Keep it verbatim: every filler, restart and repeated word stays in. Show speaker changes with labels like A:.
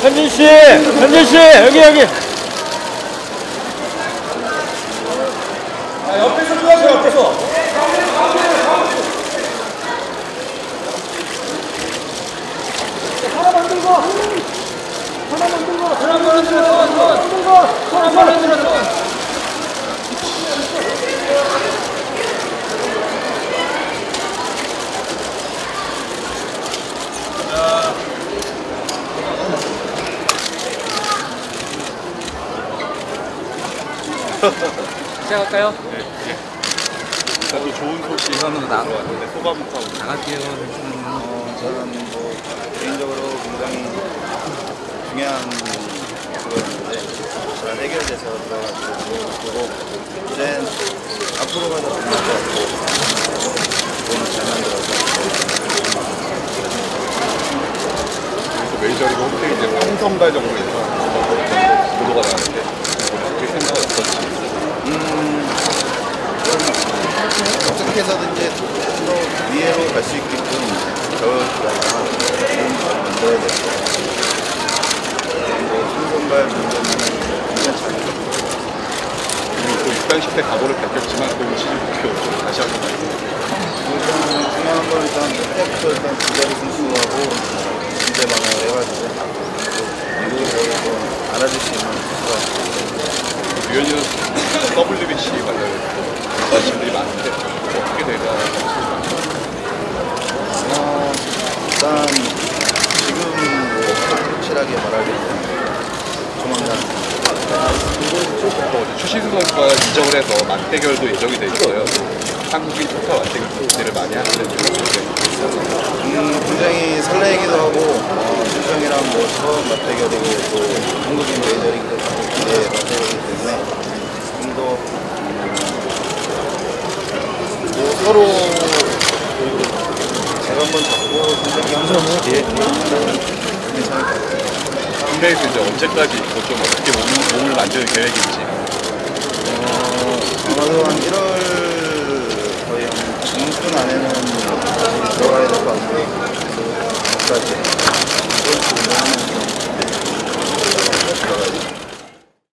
A: 현진 씨, 현진 씨, 여기 여기.
B: 아, 옆에서 도와줘, 옆에서. 하나 만들고, 하나 만들고, 하나 만들고, 하나 만들고, 하나 만들고.
C: 시작할까요?
D: 네. 그래도 좋은 소식 하나 들어왔는데 소감부터
C: 나갈게요.
E: 어, 저는 뭐 개인적으로 굉장히 중요한 그거였는데 잘 해결돼서 들어가지고 그리고 이제 앞으로 가도 좋을 것 같고 너무 잘 만들어서
D: 그리고 메이저리그 홈페이지에 상성가적으로 해서 보도가 나왔는데 어떻게 생각 어떤지.
E: 음, 어떻게 해서든지 더 위로 갈 수 있게끔 겨울 기간을 잘 만들어야 될 것 같아요. 그리고 신선발 문제는 괜찮죠.
D: 그리고 또 육단십 대 각오를 밝혔지만 또 시즌 목표 좀 다시 한번 말씀해주세요.
E: 일단 중요한 건 일단 그때부터 일단 두 자리 승수하고 문제 방어를 해가지고 미국에서 알아줄 수 있는 선수가
D: 유현이는 더블유비씨 관련해서 관심들이 많은데 어떻게 될까?
E: 어, 일단 지금 뭐 확실하게 말하기는 조만간
D: 또 추신수 선수가 이적을 해서 맞대결도 예정이 돼 있어요. 한국인 토카 맞대결 기대를 많이 하시는데
E: 음, 굉장히 설레기도 하고 어, 수정이랑 뭐 처음 맞대결이고 또 한국인 메이저리그 기대 맞대결이기 때문에 좀더 음, 뭐 서로 제가 한번 잡고 선택이 항상 괜찮을 것 같아요.
D: 국내에서 이제 언제까지 있고 좀 어떻게 몸을, 몸을 만들 계획인지.
E: 어, 아마도 한 일월